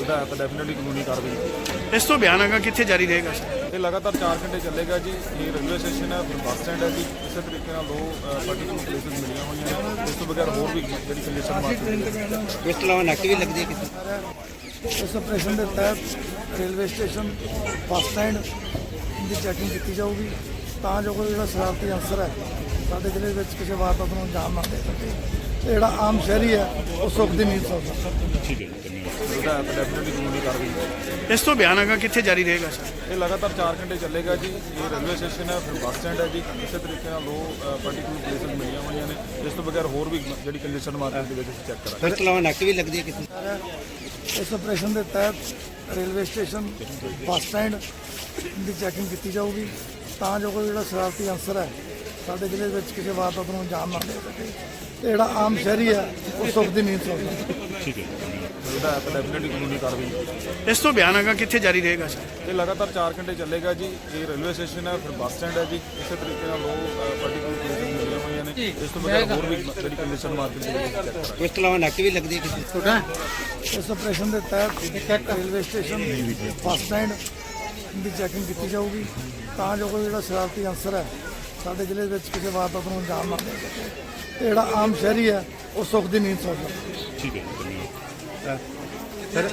ਉਹਦਾ app definitely ਕਾਨੂੰਨੀ ਕਾਰਵਾਈ। ਇਸ ਤੋਂ ਬਿਆਨ ਹੈਗਾ ਕਿੱਥੇ ਜਾਰੀ ਰਹੇਗਾ ਸਰ? ਇਹ ਲਗਾਤਾਰ 4 ਘੰਟੇ ਚੱਲੇਗਾ ਜੀ। ਇਹ ਰੇਲਵੇ ਸਟੇਸ਼ਨ ਹੈ, ਫਿਰ ਬੱਸ ਸਟੈਂਡ ਹੈ ਜੀ। ਇਸੇ ਤਰੀਕੇ ਨਾਲ ਦੋ ਪਾਰਟੀਕੂਲਰ ਪਲੇਸਿਸ ਮਿਲੀਆਂ ਹੋਈਆਂ ਨੇ। ਇਸ ਤੋਂ ਬਗੈਰ ਹੋਰ ਵੀ ਜਿਹੜੀ ਕੰਡੀਸ਼ਨ ਮਾਰਕੀਟ ਇਸ ਤੋਂ ਇਲਾਵਾ ਨੱਕ ਵੀ ਲੱਗਦੀ ਹੈ ਕਿਸੇ ਇਸ ਆਪਰੇਸ਼ਨ ਦੇ ਤਹਿਤ ਰੇਲਵੇ ਸਟੇਸ਼ਨ ਬੱਸ ਸਟੈਂਡ ਦੀ ਚੈਕਿੰਗ ਕੀਤੀ ਜਾਊਗੀ ਤਾਂ ਜੋ ਕੋਈ ਜਿਹੜਾ ਸ਼ਰਾਰਤੀ ਅਨਸਰ ਹੈ ਸਾਡੇ ਜ਼ਿਲ੍ਹੇ ਵਿੱਚ ਕਿਸੇ ਵਾਰਦਾਤ ਨੂੰ ਅੰਜਾਮ ਨਾ ਦੇ ਸਕੇ ਤੇ ਜਿਹੜਾ ਆਮ ਸ਼ਹਿਰੀ ਹੈ ਉਹ ਸੁੱਖ ਦੀ ਨੀਂਦ ਸੌ ਸਕੇ। ਠੀਕ ਹੈ ਜੀ, ਉਹਦਾ ਐਪ ਡੈਫੀਨਿਟਲੀ ਕਾਨੂੰਨੀ ਕਾਰਵਾਈ। ਇਸ ਤੋਂ ਬਿਆਨ ਹੈਗਾ ਕਿੱਥੇ ਜਾਰੀ ਰਹੇਗਾ ਸਰ? ਇਹ ਲਗਾਤਾਰ 4 ਘੰਟੇ ਚੱਲੇਗਾ ਜੀ। ਇਹ ਰੇਲਵੇ ਸਟੇਸ਼ਨ ਹੈ, ਫਿਰ ਬੱਸ ਸਟੈਂਡ ਹੈ ਜੀ। ਇਸੇ ਤਰੀਕੇ ਨਾਲ ਦੋ ਪਾਰਟੀਕੂਲਰ ਪਲੇਸਿਸ ਮਿਲੀਆਂ ਹੋਈਆਂ ਨੇ। ਇਸ ਤੋਂ ਬਗੈਰ ਹੋਰ ਵੀ ਜਿਹੜੀ ਕੰਡੀਸ਼ਨ ਮਾਰਕੀਟ ਦੇ ਵਿੱਚ ਅਸੀਂ ਚੈੱਕ ਕਰਾਂਗੇ। ਇਸ ਤੋਂ ਇਲਾਵਾ ਨੱਕ ਵੀ ਲੱਗਦੀ ਹੈ ਕਿਸੇ ਇਸ ਆਪਰੇਸ਼ਨ ਦੇ ਤਹਿਤ ਰੇਲਵੇ ਸਟੇਸ਼ਨ ਬੱਸ ਸਟੈਂਡ ਦੀ ਚੈਕਿੰਗ ਕੀਤੀ ਜਾਊਗੀ ਤਾਂ ਜੋ ਕੋਈ ਜਿਹੜਾ ਸ਼ਰਾਰਤੀ ਅਨਸਰ ਹੈ ਸਾਡੇ ਜ਼ਿਲ੍ਹੇ ਵਿੱਚ ਕਿਸੇ ਵਾਰਦਾਤ ਨੂੰ ਅੰਜਾਮ ਨਾ ਦੇ ਸਕੇ ਤੇ ਜਿਹੜਾ ਆਮ ਸ਼ਹਿਰੀ ਹੈ ਉਹ ਸੁੱਖ ਦੀ ਨੀਂਦ ਸੌ ਸਕੇ। ਠੀਕ ਹੈ ਜੀ, ਉਹਦਾ ਐਪ ਡੈਫੀਨਿਟਲੀ ਕਾਨੂੰਨੀ ਕਾਰਵਾਈ। ਇਸ ਤੋਂ ਬਿਆਨ ਹੈਗਾ ਕਿੱਥੇ ਜਾਰੀ ਰਹੇਗਾ ਸਰ? ਇਹ ਲਗਾਤਾਰ 4 ਘੰਟੇ ਚੱਲੇਗਾ ਜੀ। ਇਹ ਰੇਲਵੇ ਸਟੇਸ਼ਨ ਹੈ, ਫਿਰ ਬੱਸ ਸਟੈਂਡ ਹੈ ਜੀ। ਇਸੇ ਤਰੀਕੇ ਨਾਲ ਦੋ ਪਾਰਟੀਕੂਲਰ ਪਲੇਸਿਸ ਮਿਲੀਆਂ ਹੋਈਆਂ ਨੇ। ਇਸ ਤੋਂ ਬਗੈਰ ਹੋਰ ਵੀ ਜਿਹੜੀ ਕੰਡੀਸ਼ਨ ਮਾਰਕੀਟ ਦੇ ਵਿੱਚ ਚੈੱਕ ਕਰਾਂਗੇ। ਇਸ ਤੋਂ ਇਲਾਵਾ ਨੱਕ ਵੀ ਲੱਗਦੀ ਹੈ ਕਿਸੇ ਇਸ ਆਪਰੇਸ਼ਨ ਦੇ ਤਹਿਤ ਰੇਲਵੇ ਸਟੇਸ਼ਨ ਬੱਸ ਸਟੈਂਡ ਦੀ ਚੈਕਿੰਗ ਕੀਤੀ ਜਾਊਗੀ ਤਾਂ ਜੋ ਕੋਈ ਜਿਹੜਾ ਸ਼ਰਾਰਤੀ ਅਨਸਰ ਹੈ ਸਾਡੇ ਜ਼ਿਲ੍ਹੇ ਵਿੱਚ ਕਿਸੇ ਵਾਰਦਾਤ ਨੂੰ ਅੰਜਾਮ ਨਾ ਦੇ ਸਕੇ ਤੇ ਜਿਹੜਾ ਆਮ ਸ਼ਹਿਰੀ ਹੈ ਉਹ ਸੁੱਖ ਦੀ ਨੀਂਦ ਸੌ ਸਕੇ। ਠੀਕ ਹੈ ਜੀ, ਸਰ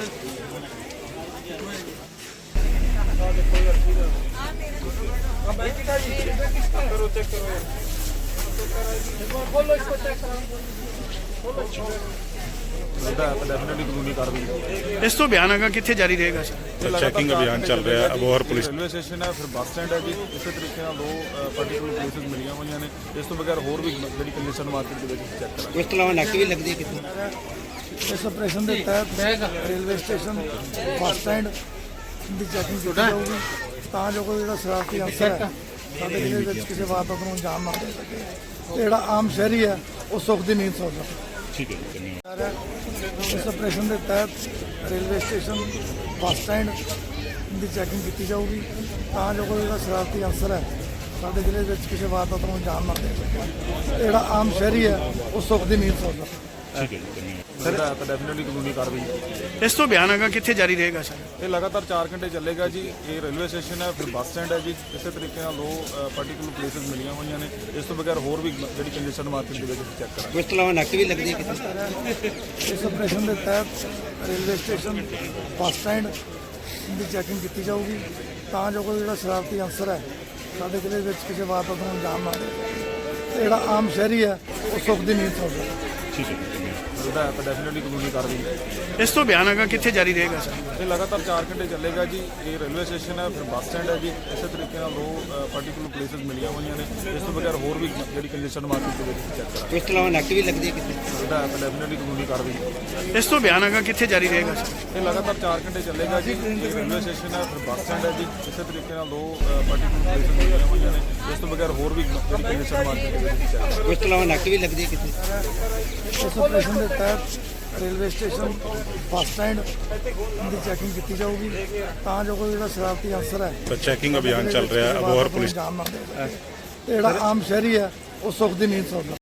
ਉਹਦਾ ਐਪ ਡੈਫੀਨਿਟਲੀ ਕਾਨੂੰਨੀ ਕਾਰਵਾਈ। ਇਸ ਤੋਂ ਬਿਆਨ ਹੈਗਾ ਕਿੱਥੇ ਜਾਰੀ ਰਹੇਗਾ ਸਰ? ਚੈਕਿੰਗ ਅਭਿਆਨ ਚੱਲ ਰਿਹਾ ਹੈ ਅਬੋਹਰ ਪੁਲਿਸ ਰੇਲਵੇ ਸਟੇਸ਼ਨ ਹੈ, ਫਿਰ ਬੱਸ ਸਟੈਂਡ ਹੈ ਜੀ। ਇਸੇ ਤਰੀਕੇ ਨਾਲ ਦੋ ਪਾਰਟੀਕੂਲਰ ਪਲੇਸਿਸ ਮਿਲੀਆਂ ਹੋਈਆਂ ਨੇ। ਇਸ ਤੋਂ ਬਗੈਰ ਹੋਰ ਵੀ ਜਿਹੜੀ ਕੰਡੀਸ਼ਨ ਮਾਰਕੀਟ ਦੇ ਵਿੱਚ ਅਸੀਂ ਚੈੱਕ ਕਰਾਂਗੇ। ਇਸ ਤੋਂ ਇਲਾਵਾ ਨੱਕ ਵੀ ਲੱਗਦੀ ਹੈ ਕਿਸੇ ਇਸ ਆਪਰੇਸ਼ਨ ਦੇ ਤਹਿਤ ਰੇਲਵੇ ਸਟੇਸ਼ਨ ਬੱਸ ਸਟੈਂਡ ਦੀ ਚੈਕਿੰਗ ਕੀਤੀ ਜਾਊਗੀ ਤਾਂ ਜੋ ਕੋਈ ਜਿਹੜਾ ਸ਼ਰਾਰਤੀ ਅਨਸਰ ਹੈ ਸਾਡੇ ਜ਼ਿਲ੍ਹੇ ਵਿੱਚ ਕਿਸੇ ਵਾਰਦਾਤ ਨੂੰ ਅੰਜਾਮ ਨਾ ਦੇ ਸਕੇ ਤੇ ਜਿਹੜਾ ਆਮ ਸ਼ਹਿਰੀ ਹੈ ਉਹ ਸੁੱਖ ਦੀ ਨੀਂਦ ਸੌ ਸਕੇ। ਠੀਕ ਹੈ ਜੀ, ਇਸ ਆਪਰੇਸ਼ਨ ਦੇ ਤਹਿਤ ਰੇਲਵੇ ਸਟੇਸ਼ਨ ਬੱਸ ਸਟੈਂਡ ਦੀ ਚੈਕਿੰਗ ਕੀਤੀ ਜਾਊਗੀ ਤਾਂ ਜੋ ਕੋਈ ਜਿਹੜਾ ਸ਼ਰਾਰਤੀ ਅਨਸਰ ਹੈ ਸਾਡੇ ਜ਼ਿਲ੍ਹੇ ਵਿੱਚ ਕਿਸੇ ਵਾਰਦਾਤ ਨੂੰ ਅੰਜਾਮ ਨਾ ਦੇ ਸਕੇ ਤੇ ਜਿਹੜਾ ਆਮ ਸ਼ਹਿਰੀ ਹੈ ਉਹ ਸੁੱਖ ਦੀ ਨੀਂਦ ਸੌ ਸਕੇ। ਠੀਕ ਹੈ ਜੀ, ਉਹਦਾ ਐਪ ਡੈਫੀਨਿਟਲੀ ਕਾਨੂੰਨੀ ਕਾਰਵਾਈ। ਇਸ ਤੋਂ ਬਿਆਨ ਹੈਗਾ ਕਿੱਥੇ ਜਾਰੀ ਰਹੇਗਾ ਸਰ? ਇਹ ਲਗਾਤਾਰ 4 ਘੰਟੇ ਚੱਲੇਗਾ ਜੀ। ਇਹ ਰੇਲਵੇ ਸਟੇਸ਼ਨ ਹੈ, ਫਿਰ ਬੱਸ ਸਟੈਂਡ ਹੈ ਜੀ। ਇਸੇ ਤਰੀਕੇ ਨਾਲ ਦੋ ਪਾਰਟੀਕੂਲਰ ਪਲੇਸਿਸ ਮਿਲੀਆਂ ਹੋਈਆਂ ਨੇ। ਇਸ ਤੋਂ ਬਗੈਰ ਹੋਰ ਵੀ ਜਿਹੜੀ ਕੰਡੀਸ਼ਨ ਮਾਰਕੀਟ ਦੇ ਵਿੱਚ ਅਸੀਂ ਚੈੱਕ ਕਰਾਂਗੇ। ਇਸ ਤੋਂ ਇਲਾਵਾ ਨੱਕ ਵੀ ਲੱਗਦੀ ਹੈ ਕਿਸੇ ਇਸ ਆਪਰੇਸ਼ਨ ਦੇ ਤਹਿਤ ਰੇਲਵੇ ਸਟੇਸ਼ਨ ਬੱਸ ਸਟੈਂਡ ਦੀ ਚੈਕਿੰਗ ਕੀਤੀ ਜਾਊਗੀ ਤਾਂ ਜੋ ਕੋਈ ਜਿਹੜਾ ਸ਼ਰਾਰਤੀ ਅਨਸਰ ਹੈ ਸਾਡੇ ਜ਼ਿਲ੍ਹੇ ਵਿੱਚ ਕਿਸੇ ਵਾਰਦਾਤ ਨੂੰ ਅੰਜਾਮ ਨਾ ਦੇ ਸਕੇ ਤੇ ਜਿਹੜਾ ਆਮ ਸ਼ਹਿਰੀ ਹੈ ਉਹ ਸੁੱਖ ਦੀ ਨੀਂਦ ਸੌ ਸਕੇ। ਠੀਕ ਹੈ ਜੀ, ਉਹਦਾ ਐਪ ਡੈਫੀਨਿਟਲੀ ਕਾਨੂੰਨੀ ਕਾਰਵਾਈ। ਇਸ ਤੋਂ ਬਿਆਨ ਹੈਗਾ ਕਿੱਥੇ ਜਾਰੀ ਰਹੇਗਾ ਸਰ? ਇਹ ਲਗਾਤਾਰ 4 ਘੰਟੇ ਚੱਲੇਗਾ ਜੀ। ਇਹ ਰੇਲਵੇ ਸਟੇਸ਼ਨ ਹੈ, ਫਿਰ ਬੱਸ ਸਟੈਂਡ ਹੈ ਜੀ। ਇਸੇ ਤਰੀਕੇ ਨਾਲ ਦੋ ਪਾਰਟੀਕੂਲਰ ਪਲੇਸਿਸ ਮਿਲੀਆਂ ਹੋਈਆਂ ਨੇ। ਇਸ ਤੋਂ ਬਗੈਰ ਹੋਰ ਵੀ ਜਿਹੜੀ ਕੰਡੀਸ਼ਨ ਮਾਰਕੀਟ ਦੇ ਵਿੱਚ ਚੈੱਕ ਕਰਾਂਗੇ। ਇਸ ਤੋਂ ਇਲਾਵਾ ਨੱਕ ਵੀ ਲੱਗਦੀ ਹੈ ਕਿਸੇ ਉਹਦਾ ਐਪ ਡੈਫੀਨਿਟਲੀ ਕਾਨੂੰਨੀ ਕਾਰਵਾਈ। ਇਸ ਤੋਂ ਬਿਆਨ ਹੈਗਾ ਕਿੱਥੇ ਜਾਰੀ ਰਹੇਗਾ ਸਰ? ਇਹ ਲਗਾਤਾਰ 4 ਘੰਟੇ ਚੱਲੇਗਾ ਜੀ। ਇਹ ਰੇਲਵੇ ਸਟੇਸ਼ਨ ਹੈ, ਫਿਰ ਬੱਸ ਸਟੈਂਡ ਹੈ ਜੀ। ਇਸੇ ਤਰੀਕੇ ਨਾਲ ਦੋ ਪਾਰਟੀਕੂਲਰ ਪਲੇਸਿਸ ਮਿਲੀਆਂ ਹੋਈਆਂ ਨੇ। ਇਸ ਤੋਂ ਬਗੈਰ ਹੋਰ ਵੀ ਜਿਹੜੀ ਕੰਡੀਸ਼ਨ ਮਾਰਕੀਟ ਦੇ ਵਿੱਚ ਚੈੱਕ ਕਰਾਂਗੇ। ਇਸ ਤੋਂ ਇਲਾਵਾ ਨੱਕ ਵੀ ਲੱਗਦੀ ਹੈ ਕਿਸੇ ਇਸ ਆਪਰੇਸ਼ਨ ਦੇ ਤਹਿਤ ਰੇਲਵੇ ਸਟੇਸ਼ਨ ਬੱਸ ਸਟੈਂਡ ਦੀ ਚੈਕਿੰਗ ਕੀਤੀ ਜਾਊਗੀ ਤਾਂ ਜੋ ਕੋਈ ਜਿਹੜਾ ਸ਼ਰਾਰਤੀ ਅਨਸਰ ਹੈ ਚੈਕਿੰਗ ਅਭਿਆਨ ਚੱਲ ਰਿਹਾ ਹੈ ਅਬੋਹਰ ਪੁਲਿਸ ਅੰਜਾਮ ਨਾ ਦੇ ਸਕੇ ਤੇ ਜਿਹੜਾ ਆਮ ਸ਼ਹਿਰੀ ਹੈ ਉਹ ਸੁੱਖ ਦੀ ਨੀਂਦ ਸੌ ਸਕੇ।